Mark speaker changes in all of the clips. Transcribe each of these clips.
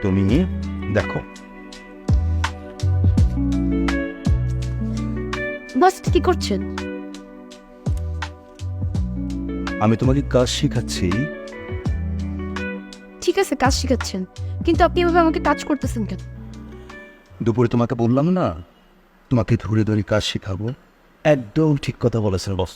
Speaker 1: তুমি দেখো।
Speaker 2: বস কি করছেন?
Speaker 1: আমি তোমাকে কাজ শেখাচ্ছি।
Speaker 2: ঠিক আছে, কাজ শিখাচ্ছেন, কিন্তু আপনি এভাবে আমাকে টাচ করতেছেন কেন?
Speaker 1: দুপুরে তোমাকে বললাম না তোমাকে ধরে ধরে কাজ শেখাবো। একদম ঠিক কথা বলেছেন বস।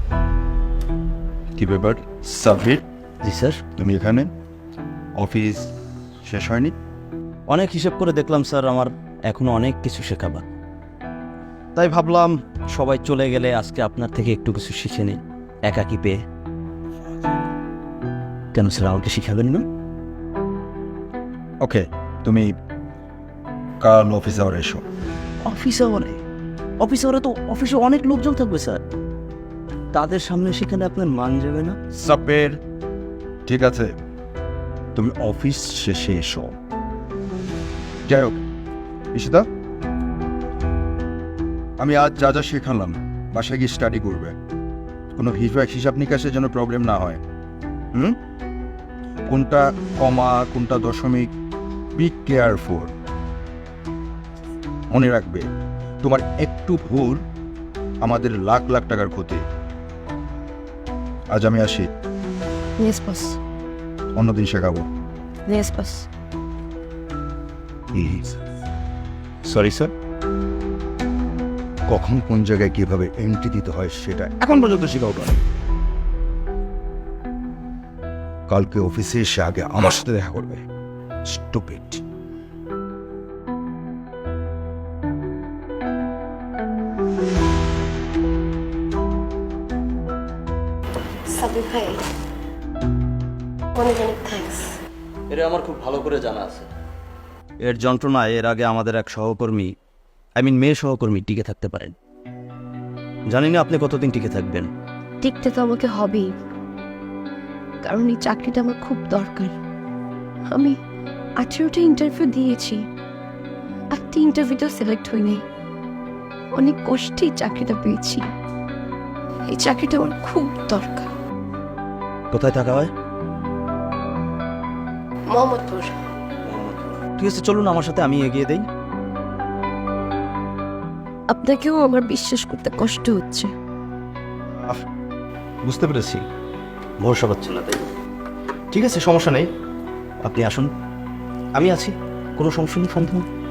Speaker 1: কি ব্যাপার সাব্বির?
Speaker 3: জি স্যার।
Speaker 1: তুমি এখানে? অফিস শেষ হয়নি?
Speaker 3: অনেক হিসেব করে দেখলাম স্যার, আমার এখনো অনেক কিছু শেখাবার, তাই ভাবলাম সবাই চলে গেলে আজকে আপনার থেকে একটু কিছু শিখে নিই একাকি পেয়ে। কেন স্যার, আমাকে শিখাবেন না?
Speaker 1: ওকে, তুমি কাল অফিস আওয়ার এসো।
Speaker 3: অফিস আওয়ারে? অফিস আওয়ারে তো অফিসে অনেক লোকজন থাকবে স্যার, তাদের সামনে সেখানে আপনার মান যাবে না?
Speaker 1: সাব্বির, ঠিক আছে, তুমি অফিস শেষে এসো। যাই হোক ঈশিতা, আমি আজ যা যা শেখালাম বাসায় গিয়ে স্টাডি করবে। কোনো হিসাব নিকাশের যেন প্রবলেম না হয়। কোনটা কমা কোনটা দশমিক, বি কেয়ারফুল। মনে রাখবে, তোমার একটু ভুল আমাদের লাখ লাখ টাকার ক্ষতি। আজ আমি আসি,
Speaker 2: ইয়েস বস।
Speaker 1: অন্যদিন শেখাবো।
Speaker 2: Yes boss.
Speaker 1: Sorry sir. কখন কোন জায়গায় কিভাবে এন্ট্রি দিতে হয় সেটা এখন পর্যন্ত শেখাও না। কালকে অফিসে এসে আগে আমার সাথে দেখা করবে। স্টুপিড।
Speaker 2: সাবির ভাই, অনেক অনেক থ্যাঙ্কস।
Speaker 3: এটা আমার খুব ভালো করে জানা আছে। এর যন্ত্রণায় এর আগে আমাদের এক সহকর্মী, মেয়ে সহকর্মী টিকে থাকতে পারেন। জানি না আপনি কতদিন টিকে থাকবেন।
Speaker 2: টিকতে তো আমাকে হবেই, কারণ এই চাকরিটা আমার খুব দরকার। আমি 18টা ইন্টারভিউ দিয়েছি, একটা ইন্টারভিউতেও সিলেক্ট হইনি। অনেক কষ্টেই চাকরিটা পেয়েছি। এই চাকরিটা আমার খুব দরকার।
Speaker 3: কোথায় থাকা হয়?
Speaker 2: মোহাম্মদপুর।
Speaker 3: ঠিক আছে, চলুন আমার সাথে, আমি এগিয়ে দেই।
Speaker 2: আপনাকেও আমার বিশ্বাস করতে কষ্ট হচ্ছে।
Speaker 3: বুঝতে পেরেছি, ভরসা পাচ্ছি না, তাই ঠিক আছে, সমস্যা নেই, আপনি আসুন, আমি আছি, কোনো সমস্যা নেই, সন্দেহ নেই।